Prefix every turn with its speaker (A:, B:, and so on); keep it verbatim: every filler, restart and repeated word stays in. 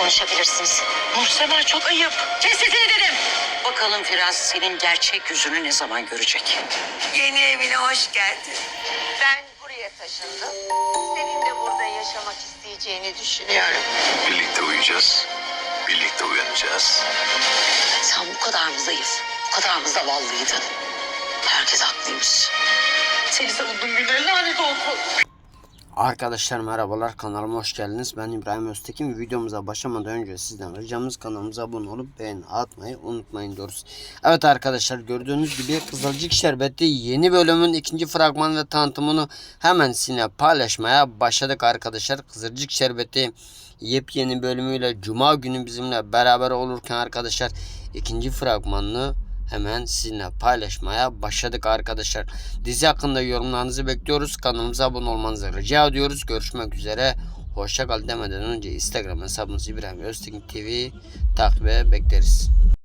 A: konuşabilirsiniz.
B: Nursema çok ayıp.
A: Kes sesini dedim.
B: Bakalım Firaz senin gerçek yüzünü ne zaman görecek?
C: Yeni evine hoş geldin.
A: Ben buraya taşındım. Senin de burada yaşamak isteyeceğini düşünüyorum.
D: Birlikte uyuyacağız. Birlikte uyanacağız.
B: Sen bu kadar mı zayıf, bu kadar mı zavallıydın? Herkes haklıymış. Seni savunduğum günler lanet olsun.
E: Arkadaşlar merhabalar, kanalıma hoş geldiniz. Ben İbrahim Öztekin. Videomuza başlamadan önce sizden ricamız kanalımıza abone olup beğeni atmayı unutmayın diyoruz. Evet arkadaşlar, gördüğünüz gibi Kızılcık Şerbeti yeni bölümün ikinci fragman ve tanıtımını hemen sizinle paylaşmaya başladık arkadaşlar. Kızılcık Şerbeti yepyeni bölümüyle Cuma günü bizimle beraber olurken arkadaşlar ikinci fragmanını hemen sizinle paylaşmaya başladık arkadaşlar. Dizi hakkında yorumlarınızı bekliyoruz. Kanalımıza abone olmanızı rica ediyoruz. Görüşmek üzere. Hoşça kal demeden önce Instagram hesabımız İbrahim Öztekin T V takibe bekleriz.